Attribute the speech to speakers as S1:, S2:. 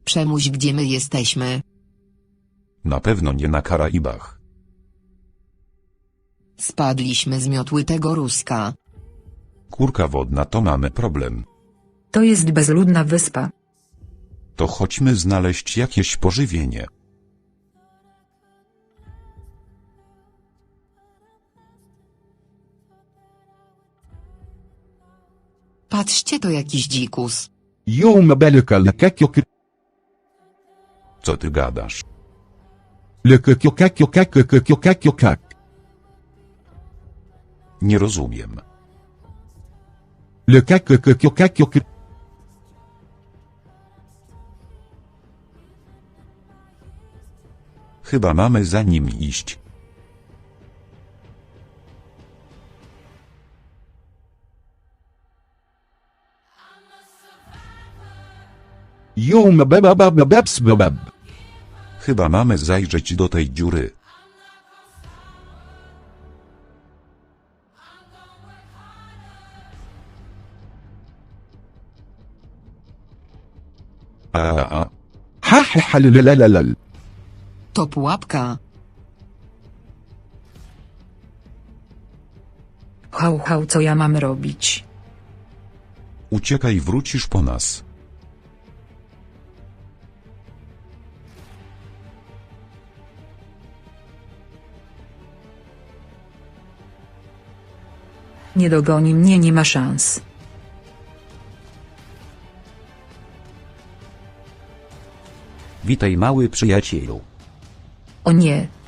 S1: Przemuś, gdzie my jesteśmy.
S2: Na pewno nie na Karaibach.
S1: Spadliśmy z miotły tego Ruska.
S2: Kurka wodna, to mamy problem.
S3: To jest bezludna wyspa.
S2: To chodźmy znaleźć jakieś pożywienie.
S1: Patrzcie, to jakiś dzikus.
S4: يوم بالك لكاكيوك
S2: Co ty gadasz?
S4: لكاكيوكاكيوكاكيوكاكيوكاك
S2: Nie rozumiem.
S4: لكاكيوكاكيوك
S2: Chyba mamy za nim iść.
S4: يوم بابا بابا بابس باباب
S2: Chyba mamy zajrzeć do tej dziury. A.
S4: حلللللل
S1: To pułapka.
S3: Hał, co ja mam robić?
S2: Uciekaj, wrócisz po nas.
S3: Nie dogoni mnie, nie ma szans.
S5: Witaj, mały przyjacielu.
S3: O nie,